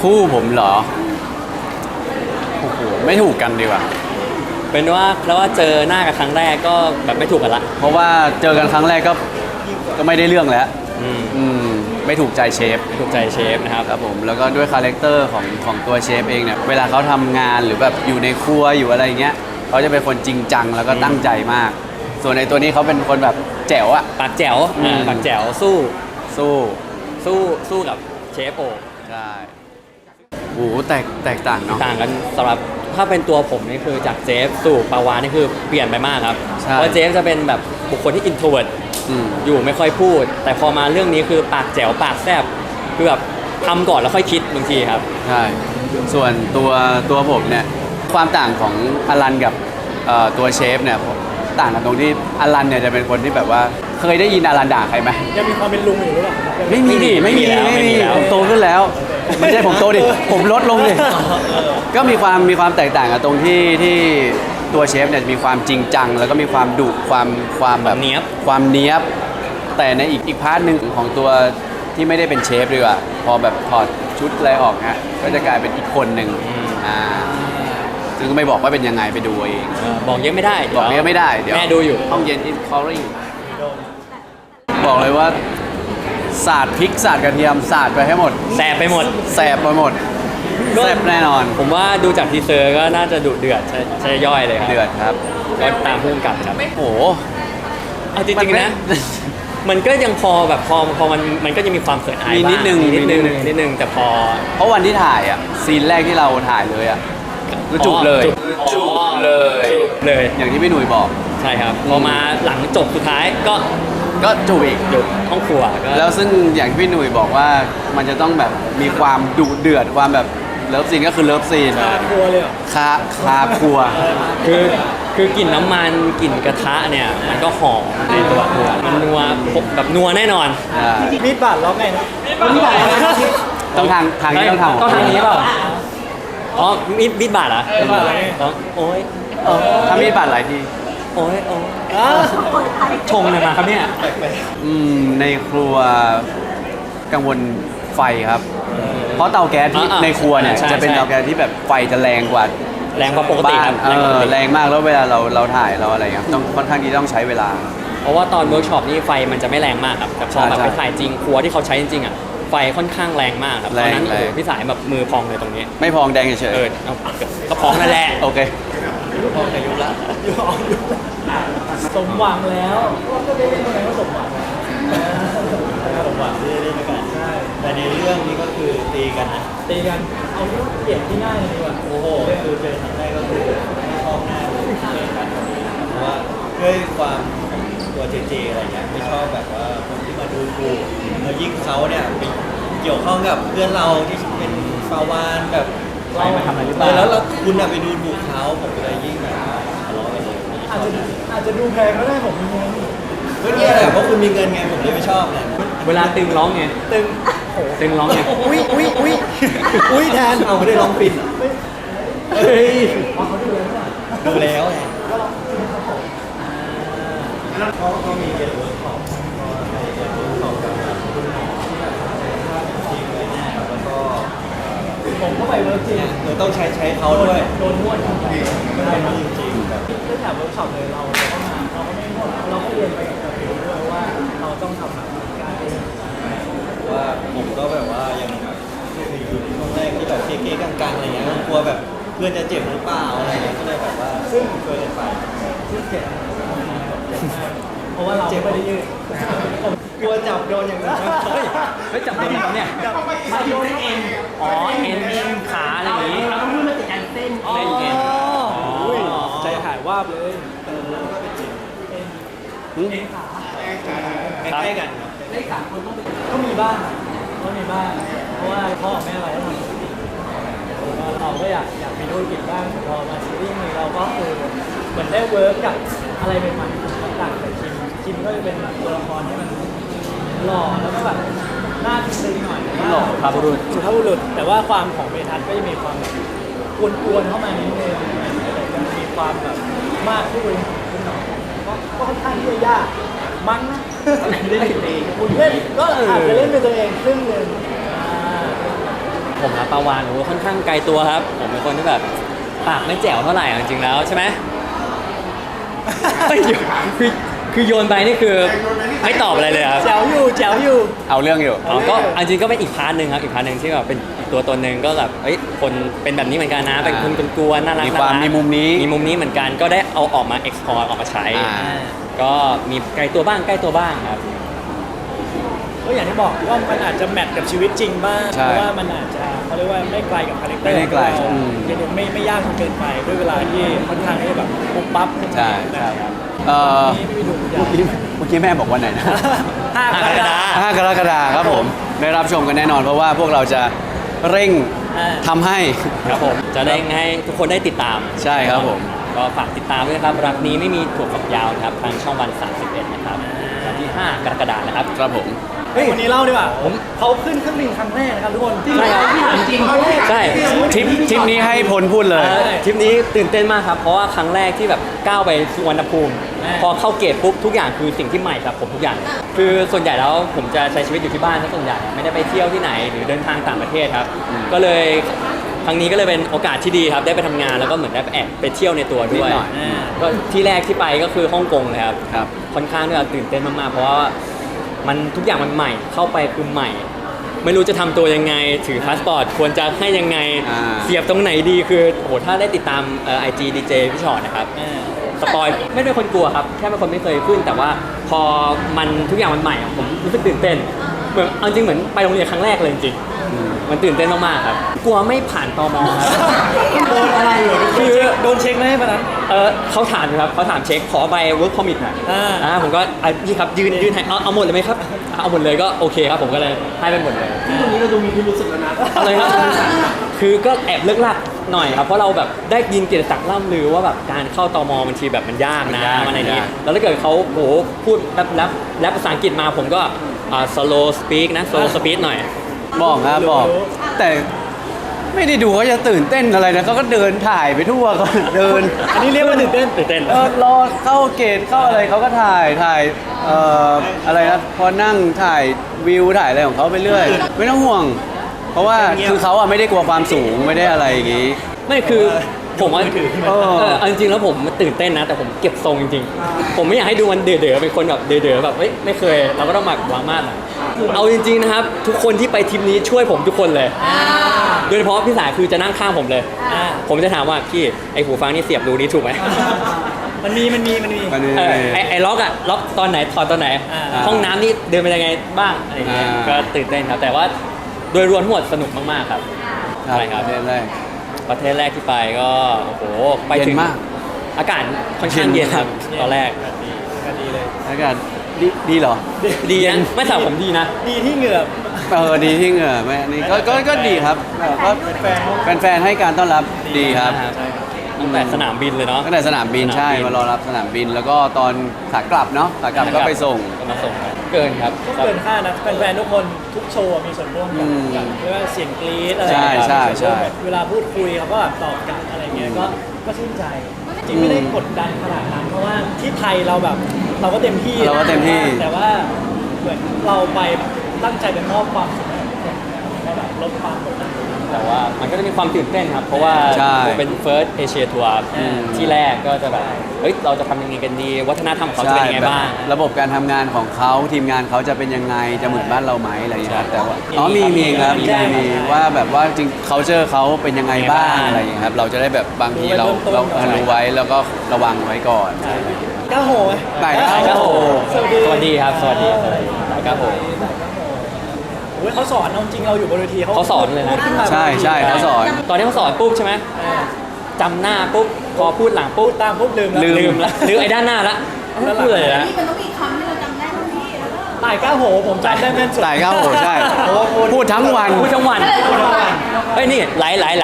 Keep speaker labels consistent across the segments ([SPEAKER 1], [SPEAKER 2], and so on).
[SPEAKER 1] คู่ผมเหรอโอ้โหไม่ถูกกันดีกว่า
[SPEAKER 2] เป็นว่าแล้วว่าเจอหน้ากันครั้งแรกก็แบบไม่ถูกกันละ
[SPEAKER 1] เพราะว่าเจอกันครั้งแรกก็ไม่ได้เรื่องแล้วไม่ถูกใจเชฟ
[SPEAKER 2] ถูกใจเชฟนะครับ
[SPEAKER 1] ครับผมแล้วก็ด้วยคาแรคเตอร์ของตัวเชฟเองเนี่ยเวลาเขาทำงานหรือแบบอยู่ในครัวอยู่อะไรเงี้ยเขาจะเป็นคนจริงจังแล้วก็ตั้งใจมากส่วนในตัวนี้เขาเป็นคนแบบแจ๋วอะ
[SPEAKER 2] ปากแจ๋วปากแจ๋วสู้กับเชฟโอ
[SPEAKER 1] ใช่โอ้โหแตกต่างเนาะ
[SPEAKER 2] ต่างกันสำหรับถ้าเป็นตัวผมนี่คือจากเจฟสู่ปาวานี่คือเปลี่ยนไปมากครับเพราะเจฟจะเป็นแบบบุคคลที่อินโทรเวิร์ตอยู่ไม่ค่อยพูดแต่พอมาเรื่องนี้คือปากแจ๋วปากแซบคือแบบทำก่อนแล้วค่อยคิดบางทีครับ
[SPEAKER 1] ใช่ส่วนตัวผมเนี่ยความต่างของอลันกับตัวเชฟเนี่ยต่างกันตรงที่อลันเนี่ยจะเป็นคนที่แบบว่าเคยได้ยินอลันด่าใครไหม
[SPEAKER 3] ยังมีความเป็นลุงอยู่หรือเปล่า
[SPEAKER 1] ไม่มีผมโตขึ้นแล้วไม่ใช่ผมโตดิผมลดลงดิก็มีความแตกต่างกันตรงที่ตัวเชฟเนี่ยมีความจริงจังแล้วก็มีความดุความแบบ
[SPEAKER 2] เนี้ยบ
[SPEAKER 1] ความเนี้ยบแต่ในอีกพาร์ทหนึ่งของตัวที่ไม่ได้เป็นเชฟดีกว่าพอแบบถอดชุดอะไรออกฮะก็จะกลายเป็นอีกคนหนึ่งซึ่งก็ไม่บอกว่าเป็นยังไงไปดูเอง
[SPEAKER 2] บอกเยอะไม่ได้
[SPEAKER 1] บอกเยอะไม่ได้เดี๋ยว
[SPEAKER 2] แม่ดูอยู่
[SPEAKER 1] ห้องเย็นอินคอริ่งบอกเลยว่าสาดพริกสาดกระเทียมสาดไปให้หมด
[SPEAKER 2] แสบไปหมด
[SPEAKER 1] แสบไปหมดแสบแน่นอน
[SPEAKER 2] ผมว่าดูจากทีเซอร์ก็น่าจะดุเดือดใช่ย่อยเลยครับ
[SPEAKER 1] เดือดครับ
[SPEAKER 2] ก็ตามพุ่งกลับครับ
[SPEAKER 1] โอ้
[SPEAKER 2] เอาจริงๆนะมันก็ยังพอแบบพอมันก็ยังมีความเขินอายบ้าง
[SPEAKER 1] นิด
[SPEAKER 2] นึงแต่พอ
[SPEAKER 1] เพราะวันที่ถ่ายอ่ะซีนแรกที่เราถ่ายเลยอ่ะคือจุกเลยอย่างที่พี่หนุ่ยบอก
[SPEAKER 2] ใช่ครับพอมาหลังจบสุดท้ายก็
[SPEAKER 1] จูบอีก
[SPEAKER 2] จุบห้องครัว
[SPEAKER 1] แล้วซึ่งอย่างที่พี่หนุ่ยบอกว่ามันจะต้องแบบมีความดุเดือดความแบบเลิฟซีนก็คือเลิฟซีน
[SPEAKER 3] คาครัวเลยเหรอ
[SPEAKER 1] คาครัว
[SPEAKER 2] คือกลิ่นน้ำมันกลิ่นกระทะเนี่ยมันก็หอมในตัวครัวมันนัวแบบนัวแน่นอน
[SPEAKER 3] มีดบาดร้องไงนะ
[SPEAKER 1] มีดบาดต้องทางนี้
[SPEAKER 2] ต้องทางนี้เปล่าอ๋อมีดบาดอ่ะโอ้ย
[SPEAKER 1] ถ้ามีดบาดหลายที
[SPEAKER 2] โอ้ยชงเลยมาครับเนี่ย
[SPEAKER 1] ในครัวกังวลไฟครับเพราะเตาแก๊สที่ในครัวเนี่ยจะเป็นเตาแก๊สที่แบบไฟจะแรงกว่า
[SPEAKER 2] ปกติครับ
[SPEAKER 1] แรงมากแล้วเวลาเราถ่ายเราอะไรเงี้ยต้องค่อนข้างที่ต้องใช้เวลา
[SPEAKER 2] เพราะว่าตอนเวิร์กช็อปนี่ไฟมันจะไม่แรงมากครับแต่พอแบบไปถ่ายจริงครัวที่เขาใช้จริงๆอ่ะไฟค่อนข้างแรงมากครับตอนนั้นพี่สายแบบมือพองเลยตรงนี้
[SPEAKER 1] ไม่พองแดงเฉย
[SPEAKER 2] ก็พองนั่นแหละ
[SPEAKER 1] โอเค
[SPEAKER 2] พองแต่ยุบละ
[SPEAKER 3] สมหวังแล้วก็ได้เล่นอะไรก็สมหวัง
[SPEAKER 4] สมหวังที่ได้เล่นกันใช่แต่ในเรื่องนี้ก็คือตีกันนะ
[SPEAKER 3] ตีกันเอาที่ว่าเปลี่ยนที่ง่ายเลยดีกว่า
[SPEAKER 4] โอ้โหคือเจอครั้งแรกก็คือชอบหน้าเลยเล่นกันเพราะว่าด้วยความตัวเจอะไรเงี้ยไม่ชอบแบบว่าคนที่มาดูถูกแล้วยิ่งเขาเนี่ยไปเกี่ยวข้องกับเพื่อนเราที่เป็นฟาวานแบบ
[SPEAKER 2] เรามาทำอะไรหรือเปล่า
[SPEAKER 4] แล้วคุณไปดูถูกเขาผมก็เลยยิ่งแบบทะเลาะกันเลย
[SPEAKER 3] อาจจะดูแพงก็ได้ผมมีเงิน
[SPEAKER 4] ก็เนี่ยแหละเพราะคุณมีเงินไงผมเลยไม่ชอบเนี่ย
[SPEAKER 2] เวลาตึงร้องไงตึงร้องไง
[SPEAKER 3] อุ้ยแทน
[SPEAKER 4] เอาไม่ได้ร้องปิด
[SPEAKER 3] เฮ้ย
[SPEAKER 4] ดูแล้วไงก็มีเรียนเวิร์กช็อปก็ให้เรียนเวิร์กช็อปกับคุณหมอที่แบบทีมเลยเนี่ยแล้วก็
[SPEAKER 3] ผมก็ไปเวิร์กจริง
[SPEAKER 4] เราต้องใช้เขาด้วย
[SPEAKER 3] โดนนวดครับ
[SPEAKER 4] ไม่ได้จริงๆแบบ
[SPEAKER 3] เรื่องแบบเวิร์กช็อปเลยเราก็มาเราก็ไม่นวดเราก็เรียนไปกับผิวด้วยว่าเราต้องทำแบบการ
[SPEAKER 4] ว่าผมก็แบบว่ายังอยู่ในช่วงแรกที่แบบเก๊ๆกลางๆอะไรเงี้ยกลัวแบบเพื่อนจะเจ็บหรือเปล่าอะไรเงี้ยก็เลยแบบว่าซึ่งเคยไป
[SPEAKER 3] ซึ่งเจ็บเพราะว่าเราไม่ได้ยืด
[SPEAKER 4] กลัวจับโดนอย่างนั้น
[SPEAKER 2] ไม่จับโดนเขาเนี่ย
[SPEAKER 3] มาโดนเอ็น
[SPEAKER 2] เอ็นขาอะไรอย่างงี้
[SPEAKER 3] เราต้องพูดมาติดกันเส้น
[SPEAKER 2] เอ็น
[SPEAKER 3] ใจหายว่าบเลย
[SPEAKER 4] แล้วก็เป็นจิต
[SPEAKER 3] เอ็นขา
[SPEAKER 4] ใกล้กัน
[SPEAKER 3] เลข3คนก็มีบ้างเพราะว่าพ่อแม่เราต้องทำธุรกิจเราก็อยากมีธุรกิจบ้างพอมาซีรีส์นี้เราก็คือเหมือนได้เวิร์กกับอะไรใหม่ๆต่างแต่คิมก็จะเป็นตัวละครที่มันหล่อแล้วก็แบบน่าซึ้งหน่อย
[SPEAKER 2] หล่อครับบุ
[SPEAKER 3] รุษแต่ว่าความของเมทัศน์ก็จะมีความแบบกวนๆเข้ามานิดนึงจะมีความแบบมากขึ้นหน่อยก็ค่อนข้างที่จะยากมั้งนะ
[SPEAKER 2] เล่นตี
[SPEAKER 3] คุณเล่นก็อาจจะเล่นเป็นตัวเองครึ่งนึง
[SPEAKER 2] ผมนะปาวานโอ้ค่อนข้างไกลตัวครับ ผมเป็นคนที่แบบปากไม่แจ๋วเท่าไหร่จริงๆแล้วใช่ไหมไม่อยู่คือโยนไปนี่คือไม่ตอบอะไรเลยครับ
[SPEAKER 3] แจ๋วอยู่แจ๋วอยู่
[SPEAKER 1] เอาเรื่องอยู่
[SPEAKER 2] อ๋อก็อันจริงก็เป็นอีกพาร์ทหนึ่งครับอีกพาร์ทหนึ่งที่แบบเป็นอีกตัวตนหนึ่งก็แบบเอ้ยคนเป็นแบบนี้เหมือนกันนะเป็นคนกลัวๆน่ารัก
[SPEAKER 1] มีความ
[SPEAKER 2] น่รัก
[SPEAKER 1] มีมุมนี้
[SPEAKER 2] มีมุมนี้เหมือนกันก็ได้เอาออกมา explore ออกมาใช้
[SPEAKER 1] อ่า
[SPEAKER 2] ก็มีไกลตัวบ้างใกล้ตัวบ้างครับ
[SPEAKER 3] ก็อย่างที่บอกว่ามันอาจจะแมทกับชีวิตจริงบ้าง
[SPEAKER 1] ใช่
[SPEAKER 3] เพราะว่ามันอาจจะเขาเรียกว่าไม่ไกลกับคาแรคเตอร์
[SPEAKER 1] ไม่ได้ไกล
[SPEAKER 3] ของเรา
[SPEAKER 1] อืม
[SPEAKER 3] เพียงแต่ไม่ยากจนเกินไปด้วยเวลาที่ค่อนข้างที่จะแบบปุ๊บปั๊บ
[SPEAKER 1] ใช่
[SPEAKER 3] นะ
[SPEAKER 1] ใช่
[SPEAKER 3] ครับ
[SPEAKER 1] เอ่อ
[SPEAKER 3] นี่ไม่มีดูยา
[SPEAKER 1] เมื่อกี้แม่บอกวันไหนนะ
[SPEAKER 3] ห้ากรกฎาคม
[SPEAKER 1] 5 กรกฎาคมครับผมได้รับชมกันแน่นอนเพราะว่าพวกเราจะเร่ง
[SPEAKER 3] อ่า
[SPEAKER 1] ทำให้
[SPEAKER 2] ครับผมจะได้ให้ทุกคนได้ติดตาม
[SPEAKER 1] ใช่ครับผม
[SPEAKER 2] ก็ฝากติดตามด้วยนะครับรักนี้ไม่มีถั่วฝักยาวนะครับทางช่องวัน 31 นะครับวันที่ 5 กรกฎาคมนะครับ
[SPEAKER 1] ครับผม
[SPEAKER 3] เฮ้ยวันนี้เล่าดีกว่าเขาขึ้นเครื่องบินครั้งแรกนะครับทุกคน
[SPEAKER 2] ใช่ครับ
[SPEAKER 3] จริงๆครั้งแรก
[SPEAKER 2] ใช่
[SPEAKER 1] ทริปนี้ให้พลพูดเลย
[SPEAKER 2] ทริปนี้ตื่นเต้นมากครับ เพราะว่าครั้งแรกที่แบบก้าวไปสุวรรณภูมิ พอเข้าเกตปุ๊บทุกอย่างคือสิ่งที่ใหม่กับผมทุกอย่าง คือส่วนใหญ่แล้วผมจะใช้ชีวิตอยู่ที่บ้านซะส่วนใหญ่ไม่ได้ไปเที่ยวที่ไหนหรือเดินทางต่างประเทศครับ ก็เลยครั้งนี้ก็เลยเป็นโอกาสที่ดีครับได้ไปทำงานแล้วก็เหมือนได้ไปแอบไปเที่ยวในตัวด้วย
[SPEAKER 1] นิดหน่อย
[SPEAKER 2] ก็ที่แรกที่ไปก็คือฮ่องกงเลยครับ
[SPEAKER 1] ครับ
[SPEAKER 2] ค่อนข้างที่จะตื่นเต้นมากๆ เพราะว่ามันทุกอย่างมันใหม่เข้าไปคือใหม่ ไม่รู้จะทำตัวยังไงถือพาสปอร์ตควรจะให้ยังไง
[SPEAKER 1] อ่า
[SPEAKER 2] เสียบตรงไหนดีคือโอ้โหถ้าได้ติดตามIG DJ พี่ชอตนะครับสปอยไม่เป็นคนกลัวครับแค่เป็นคนไม่เคยขึ้น แต่ว่าพอมันทุกอย่างมันใหม่อะผมรู้สึกตื่นเต้นเหมือนเอาจริงเหมือนไปโรงเรียนครั้งแรกเลยจริงๆมันตื่นเต้นมากๆครับกลัวไม่ผ่านตมครับ
[SPEAKER 3] โดนอะไรเหรอ
[SPEAKER 2] คือ
[SPEAKER 3] โดนเช็คไหมวันนั้น
[SPEAKER 2] เขาถามครับเขาถามเช็คขอใบ work permit หน่อย ผมก็พี่ครับยืนให้เอาหมดเลยไหมครับเอาหมดเลยก็โอเคครับผมก็เลยให้ไปหมดเลย
[SPEAKER 3] ที่ตรงนี้เราดูมีพิรุษสุดแล้วนะ
[SPEAKER 2] อะไรครับคือก็แอบเลิกลักหน่อยครับเพราะเราแบบได้ยินเกียรติศักดิ์ล่ำลือว่าแบบการเข้าตมบางทีแบบมันยากนะ
[SPEAKER 1] มันยาก
[SPEAKER 2] มันอะไรนี้
[SPEAKER 1] มันยาก
[SPEAKER 2] แล้วถ้าเกิดเขาโหพูดแรปภาษาอังกฤษมาผมก็slow speak นะ slow speed หน่อย
[SPEAKER 1] บอกครับบอก แต่ไม่ได้ดูว่าจะตื่นเต้นอะไรนะเขาก็เดินถ่ายไปทั่วก็เดิน
[SPEAKER 3] อันนี้เรียกว่าตื่นเต้น
[SPEAKER 2] ตื่นเต้น
[SPEAKER 1] รอเข้าเกตเข้าอะไรเขาก็ถ่ายอะไรนะพอนั่งถ่ายวิวถ่ายอะไรของเขาไปเรื่อย ไม่ต้องห่วง เพราะว่าคือเขาอะไม่ได้กลัวความสูงไม่ได้อะไรอย่างงี้
[SPEAKER 2] ไม่คือผมว่า
[SPEAKER 1] เออ
[SPEAKER 2] เอาจริงๆแล้วผมตื่นเต้นนะ แต่ผมเก็บทรงจริงๆ ผมไม่อยากให้ดูมันเด๋อๆเป็นคนแบบเด๋อๆแบบเอ้ยไม่เคยเราก็ต้องหมักวางมาดหน่อยเอาจริงๆนะครับ ทุกคนที่ไปทริปนี้ช่วยผมทุกคนเลย โดยเฉพาะพี่สายคือจะนั่งข้างผมเลย ผมจะถามว่าพี่ไอหูฟังนี่เสียบรูนี้ถูกไหม
[SPEAKER 3] มันมี
[SPEAKER 1] มันนี่
[SPEAKER 2] ไอ้ล็อกอะล็อกตอนไหนถอดตอนไหน ห้องน้ำนี่เดินไปยังไงบ้างอะไรอย่างเงี้ย
[SPEAKER 1] อ่า
[SPEAKER 2] ก็ตื่นเต้นครับ แต่ว่าโดยรวมทั้งหมดสนุกมากๆครับ
[SPEAKER 1] ครับ
[SPEAKER 2] ใช่ครับ
[SPEAKER 1] ประเทศแรก
[SPEAKER 2] ประเทศแรกที่ไปก็โอ้โหไปถึ
[SPEAKER 1] เย็
[SPEAKER 2] ง
[SPEAKER 1] นมาก
[SPEAKER 2] อากาศค่อนข้างเย็นครับตอนแรก
[SPEAKER 3] ก็ดีเลย
[SPEAKER 1] อากาศดีเหรอ
[SPEAKER 2] ดีนะไม่สำหรับผมดีนะ
[SPEAKER 3] ดีที่เหงื่อ
[SPEAKER 1] ดีที่เหงื่อไม่อันนี้ก็ดีครับก็แฟนๆให้การต้อนรับดีครับ
[SPEAKER 2] ตั้งแต่สนามบินเลยเนาะ
[SPEAKER 1] ตั้งแต่สนามบินใช่มารอรับสนามบิน แล้วก็ตอนขากลับเนาะขากลับก็ไปส่ง
[SPEAKER 2] ก็มาส่งเกินครับ
[SPEAKER 3] ก็เกินคาดนะแฟนๆทุกคนทุกโชว์มีส่วนร่วมกับเรียกว่าเสียงกรี๊ดอะไร
[SPEAKER 1] ใช่ใช่
[SPEAKER 3] มีส่วนร่วม
[SPEAKER 1] ใช่
[SPEAKER 3] เวลาพูดคุยเขาก็แบบตอบกลับอะไรเงี้ยก็ชื่นใจ จริงไม่ได้กดดันขนาดนั้นเพราะว่าที่ไทยเราแบบเราก็เต็มที่
[SPEAKER 1] เราก็เต็มที่
[SPEAKER 3] แต่ว่าเหมือนเราไปตั้งใจเป็นมอบความสุขให้ทุกคนก็แบบลดความกดดัน
[SPEAKER 2] แต่ว่ามันก็จะมีความตื่นเต้นครับ เพราะว่า
[SPEAKER 1] ใช่
[SPEAKER 2] เป็น first Asia tour ที่แรกก็จะแบบเฮ้ยเราจะทำยังไงกันดี วัฒนธรรมเขาจะเป็นยังไงบ้าง
[SPEAKER 1] ระบบการทำงานของเขาทีมงานเขาจะเป็นยังไงจะเหมือนบ้านเราไหมอะไรอย่างเงี้ยครับแต่ว่า
[SPEAKER 2] มี
[SPEAKER 1] มีครับ
[SPEAKER 2] มี
[SPEAKER 1] มีว่าแบบว่าจริง culture เขาเป็นยังไงบ้างอะไรอย่างเงี้ยครับเราจะได้แบบบางทีเรารู้ไว้แล้วก็ระวังไว้ก่อน
[SPEAKER 3] ก้าวโหย
[SPEAKER 1] ไก่ก้าวโห
[SPEAKER 2] สวัสดีครับ สวัสดีครับผม
[SPEAKER 3] โอ้ยเขาสอนเอาจริงเราอยู่บนเวที
[SPEAKER 2] เขาสอนเลยนะ
[SPEAKER 3] พูดขึ้นมา
[SPEAKER 1] ใช่เขาสอน
[SPEAKER 2] ตอนที่เขาสอนปุ๊บใช่ไหมจำหน้าปุ๊บพอพูดหลังปุ๊บ
[SPEAKER 3] ตามปุ๊บลืม
[SPEAKER 2] ลืมละลืมไอ้ด้านหน้าละไม่พูดเลยนะ
[SPEAKER 5] นี่มันต้องมีคำที่เราจำได้เท่านี้แล้วก็
[SPEAKER 3] ตายก้าวโหผมจำได้แม่นสุด
[SPEAKER 1] ไก่ก้าวโหใช่
[SPEAKER 3] โอ้โห
[SPEAKER 1] พูดทั้งวัน
[SPEAKER 2] พูดทั้งวันเฮ้ยนี่ไหล
[SPEAKER 1] ลาย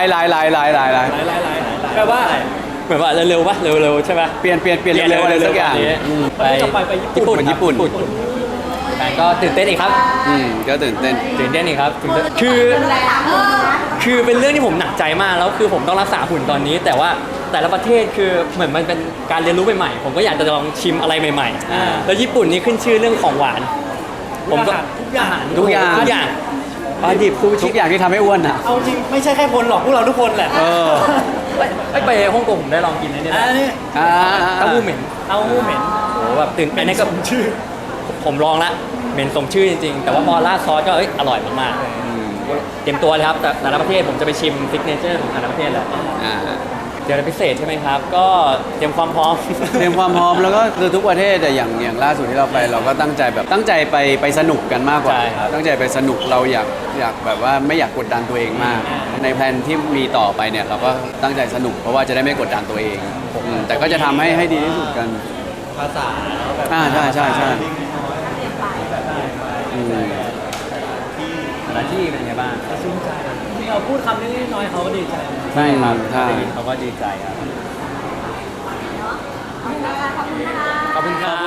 [SPEAKER 3] แปลว่า
[SPEAKER 2] เหมือนว่าเร็วๆปะเร็วๆใช่ปะ
[SPEAKER 1] เปลี่ยนเร็วๆอะไรสักอย่าง
[SPEAKER 3] ไปไปญี่ปุ่น
[SPEAKER 1] ญี่ปุ่น
[SPEAKER 2] แต่ก็ตื่นเต้นอีกครับ
[SPEAKER 1] ก็ตื่นเต้น
[SPEAKER 2] ตื่นเต้นอีกครับตื่นเต้นคือเป็นเรื่องที่ผมหนักใจมากแล้วคือผมต้องรักษาหุ่นตอนนี้ แต่ว่าแต่ละประเทศคือเหมือนมันเป็นการเรียนรู้ใหม่ๆผมก็อยากจะลองชิมอะไรใหม่ๆแล้วญี่ปุ่นนี่ขึ้นชื่อเรื่องของหวาน ผมก็
[SPEAKER 3] ทุกอย่าง
[SPEAKER 1] ทุกอย่าง
[SPEAKER 2] ทุกอย่างปลาดิบซูชิ
[SPEAKER 1] ทุกอย่างที่ทำให้อ้วนอ่ะ
[SPEAKER 3] เอาจริงไม่ใช่แค่คนหรอกพวกเราทุกคนแหละ
[SPEAKER 1] เออ
[SPEAKER 2] ไปฮ่องกงผมได้ลองกินนะเนี่ย
[SPEAKER 3] อันนี้
[SPEAKER 1] อ่า
[SPEAKER 2] เต้าหู้เหม็น
[SPEAKER 3] เอาหู้เหม็น
[SPEAKER 2] โอ้แบบตื่น
[SPEAKER 3] เป็น
[SPEAKER 2] ใน
[SPEAKER 3] ส
[SPEAKER 2] ก็
[SPEAKER 3] มชื่อ
[SPEAKER 2] ผมลองละเหม็นสมชื่อจริงๆ แต่ว่าพอราดซอสก็อร่อยมากๆเตรียมตัวเลยครับแต่ละประเทศผมจะไปชิมซิกเนเจอร์ของแต่ละประเทศแหละ
[SPEAKER 1] อ่า
[SPEAKER 2] เดี๋ยวพิเศษใช่ไหมครับ ก็เตรียมความพร้อม
[SPEAKER 1] เตรียมความพร้อมแล้วก็คือทุกประเทศแต่อย่างล่าสุดที่เราไปเราก็ตั้งใจไปสนุกกันมากกว่า
[SPEAKER 2] ใช่ครับ
[SPEAKER 1] ตั้งใจไปสนุกเราอยากแบบว่าไม่อยากกดดันตัวเองมาก ในแผนที่มีต่อไปเนี่ยเราก็ตั้งใจสนุกเพราะว่าจะได้ไม่กดดันตัวเองแต่ก็จะทำให้ดีที่สุดกัน
[SPEAKER 4] ภาษาเนาะแบบ
[SPEAKER 1] ใช่อืม
[SPEAKER 2] แต่ละที่เป็นไงบ้าง
[SPEAKER 3] ชื่นใจที่เราพูดคำนี้น้อยเขาก็ดีใจ
[SPEAKER 2] ใช่ครับ
[SPEAKER 1] ใช่
[SPEAKER 2] ได้ยินเขาก็ดีใจครับ
[SPEAKER 5] ขอบคุณนะคะ
[SPEAKER 2] ขอบคุณครับ